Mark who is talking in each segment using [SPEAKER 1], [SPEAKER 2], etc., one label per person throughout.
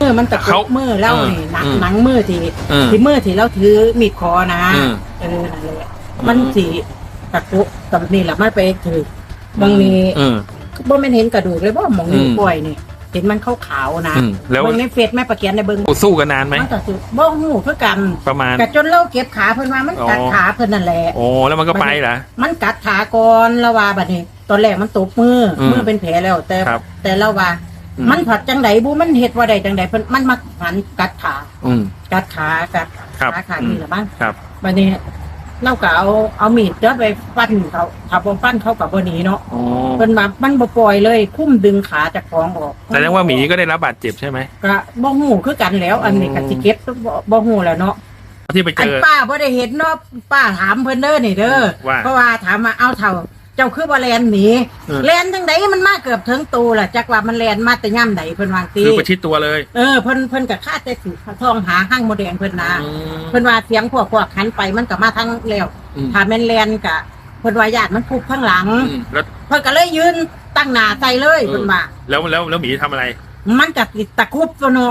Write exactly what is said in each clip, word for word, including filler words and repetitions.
[SPEAKER 1] มือมันตะกุกมือเล่านี่หนังหนังมือที่ที่มือที่เราถือมีดคอนะเออนั่นแหละมันสีตะกุกกับนี่แหละมันไปถือบางนี้บ่แม่นเห็นกระดูกเลยบ่มองนี่ป่วยนี่เห็นมันขาวๆนะแล้วในเฟซแม่ประเกียนในเบิ่ง
[SPEAKER 2] สู้กันนานไหม
[SPEAKER 1] มันก็สู้บ่ฮู้คือกัน
[SPEAKER 2] ประมาณ
[SPEAKER 1] ก็จนเราเก็บขาเพิ่นว่ามันกัดขาเพิ่นนั่นแหละ
[SPEAKER 2] โอ้แล้วมันก็ไปเหรอ
[SPEAKER 1] มันกัดขาก่อนแล้วว่าบัดนี้ตอนแรกมันตบมือมือเป็นแผลแล้วแต่แต่เราว่ามันผัดจังไดบูมันเห็ดว่าใดจังไดเพิ่นมันมาหันกัดขากัดขากัดขาขานี่แหละบ้างบัดนี้เราก็เอาเอามีดเจาะไปฟันเขาถ้าบ่ฟันเขากับบ่หนีเนาะเพิ่นมามันบ่ปล่อยเลยคุ้มดึงขาจากของออก
[SPEAKER 2] แสดงว่าหมีก็ได้รับบาดเจ็บใช่ไหม
[SPEAKER 1] ก็บ่ฮู้คือกันแล้วอันนี้ก็สิเก็บบ่ฮู้แล้วเนาะ
[SPEAKER 2] ที่ไปเจอ
[SPEAKER 1] ป้าบ่ได้เห็นเนาะป้าถามเพิ่นเด้อนี่เด้อเพราะว่าถามมาเอาเท่าเจ้าคือบ่แลนหนีแลนจังไดมันมาเกือบถึงตัวล่ะจักว่ามันแลนมาแต่ย่ำใดเพิ่นวางตี
[SPEAKER 2] คือประชิดตัวเลย
[SPEAKER 1] เออเพิ่นเพิ่นก็คาดแต่สิท้องหาห้างโมแดงเพิ่นนะเพิ่นว่าเสียงพวกพวกหันไปมันก็มาทางแล้วถ้าแม่นแลนก็เพิ่นว่าญาติมันพุบข้างหลังเพิ่นก็เลยยืนตั้งหน้าใส่เลยเพิ่นว่า
[SPEAKER 2] แล้วแล้วแล้วหมีทำอะไร
[SPEAKER 1] มันก็ติดตะคุบตัวเนาะ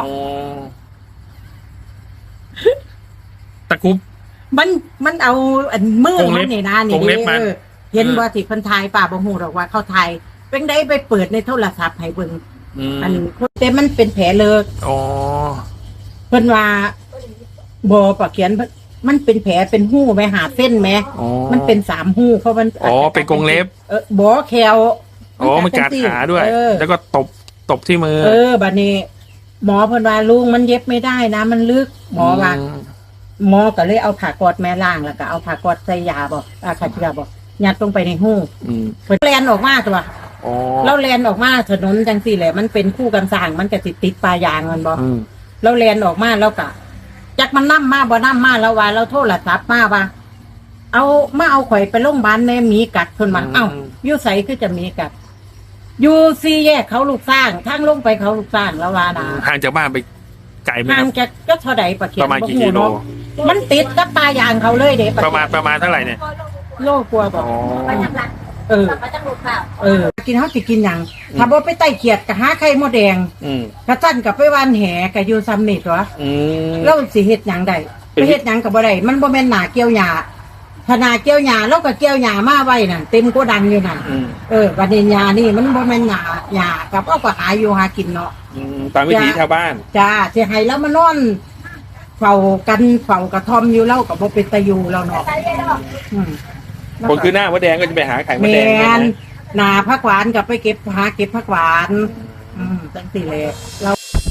[SPEAKER 2] ตะคุบ
[SPEAKER 1] มันมันเอาอันมือมันนี่นะนี่เห็นว่าที่คนไทยป่าบ่ฮู้หรอกว่าเขาไทยเป็นได้ไปเปิดในโทรศัพท์ให้เบิ่งอันแต่มันเป็นแผลเลิกอ๋อเพิ่นว่าบ่ปะเขียนมันเป็นแผลเป็นหู้ไปหาเส้นแม้มันเป็นสามหู้เพราะมัน
[SPEAKER 2] อ๋อเป็นกรงเล็บ
[SPEAKER 1] เออบ่แคล
[SPEAKER 2] อ๋อมันกัดขาด้วยแล้วก็ตบตบที่มือ
[SPEAKER 1] เออบัดนี้หมอเพิ่นว่าลุงมันเย็บไม่ได้นะมันลึกหมอว่าหมอก็เลยเอาผ้ากอดแม่ล่างแล้วก็เอาผ้ากอดใส่ยาบ่อาคาเชือบ่ยัดลงไปในหูเพิ่นแลนออกมาตัวแล้วแลนออกมาถนนจังสี่แหละมันเป็นคู่กันสร้างมันก็ติดติดปลายางมันบ่แล้วแลนออกมาแล้วก็จักมันนั่มมาบ่นั่มมาแล้วว่าเราโทรศัพท์มาว่าเอามาเอาข่อยไปโรงพยาบาลแม่หมีกัดเพิ่นว่าเอ้าอยู่ไสคือจะมีกัดอยู่สี่แยกเขาลูกสร้างทางลงไปเขาลูกสร้างแล้วว่านะ
[SPEAKER 2] ห่างจากบ้านไปไกลไหม
[SPEAKER 1] ห่างจากก็เท่าใดประเขียน
[SPEAKER 2] ประมาณกี่กิโล
[SPEAKER 1] มันติดกับปลายางเขาเลยเด้
[SPEAKER 2] ประมาณประมาณเท่าไหร่เนี่ย
[SPEAKER 1] โลกลัวบอกเออเออกินเขาสิกินอย่างถ้าบ่ไปไต่เขียดกับหาไข่มดแดงกระตั้นกับไปวานแหกับอยู่ซ้ำนี่ตัวแล้วสิเฮ็ดหยังได้ไปเฮ็ดหยังกับบ่ได้มันบ่แม่นหน้าเกี่ยวหญ้าถ้าหน้าเกี่ยวหญ้าแล้วก็เกี่ยวหญ้ามาไว้น่ะเต็มโกดังอยู่น่ะเออบัดนี้หญ้านี่มันบ่แม่นหญ้าหญ้ากับเอาก็หาอยู่หากินเนาะ
[SPEAKER 2] ตามวิถีชาวบ้าน
[SPEAKER 1] จ้าสิให้แล้วมานอนเฝ้ากันเฝ้ากระท่อมอยู่แล้วก็บ่เป็นตะอยู่แล้วเนาะ
[SPEAKER 2] คนคือหน้ามดแดงก็จะไปหาไข่มดแดง
[SPEAKER 1] หนาผักหวานกับไปเก็บหาเก็บผักหวานอืมตั้งสี่เลยเรา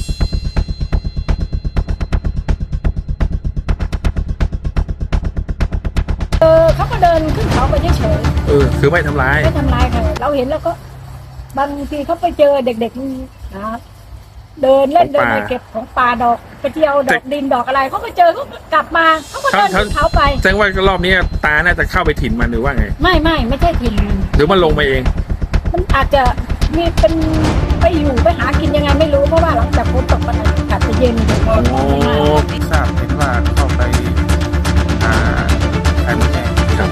[SPEAKER 1] เออเขาก็เดินขึ้นเขาไปเฉย
[SPEAKER 2] ๆเออคือไม่ทำร้าย
[SPEAKER 1] ไม่ทำร้ายค่ะเราเห็นแล้วก็บางทีเขาไปเจอเด็กๆนะเดินเล่นเดินไปเก็บของป่าดอกไปเที่ยวดอกดินดอกอะไรเขาก็เจอเขาก็กลับมาเขาก็เดินขึ้นเขาไป
[SPEAKER 2] แสดงว่ารอบนี้ตาน่าจะเข้าไปถิ่นมันหรือว่าไง
[SPEAKER 1] ไม่ไม่ไม่ใช่ถิ่น
[SPEAKER 2] หรือมันลงมาเอง
[SPEAKER 1] มันอาจจะมีเป็นไปอยู่ไปหากินยังไงไม่รู้เพราะว่าหลังจากฝนตกมันอากาศจะเย็น
[SPEAKER 2] โอ้
[SPEAKER 3] ทราบเห็นว่าเข้าไปหาไข่มดแดงครับ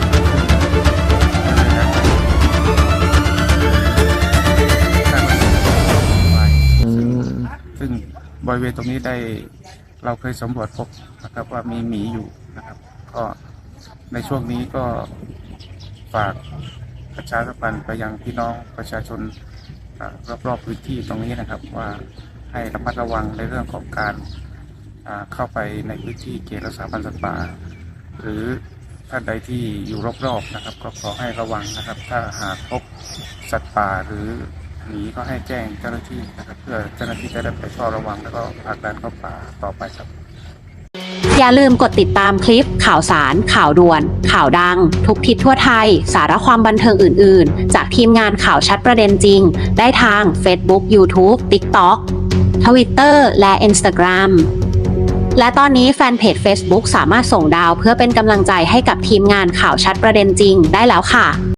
[SPEAKER 3] ซึ่งบริเวณตรงนี้ได้เราเคยสำรวจพบนะครับว่ามีหมีอยู่นะครับก็ในช่วงนี้ก็ฝากประชาสัมพันธ์ไปยังพี่น้องประชาชนรอบๆพื้นที่ตรงนี้นะครับว่าให้ระมัดระวังในเรื่องของการเข้าไปในพื้นที่เขตรักษาพันธุ์สัตว์ป่าหรือท่านใดที่อยู่รอบๆนะครับก็ขอให้ระวังนะครับถ้าหากพบสัตว์ป่าหรือหนีก็ให้แจ้งเจ้าหน้าที่นะครับเพื่อเจ้าหน้าที่จะได้ไปเฝ้าระวังแล้วก็ผลักดันเข้าป่าต่อไปครับ
[SPEAKER 4] อย่าลืมกดติดตามคลิปข่าวสารข่าวด่วนข่าวดังทุกทิศทั่วไทยสาระความบันเทิงอื่นๆจากทีมงานข่าวชัดประเด็นจริงได้ทาง Facebook YouTube TikTok Twitter และ Instagram และตอนนี้แฟนเพจ Facebook สามารถส่งดาวเพื่อเป็นกำลังใจให้กับทีมงานข่าวชัดประเด็นจริงได้แล้วค่ะ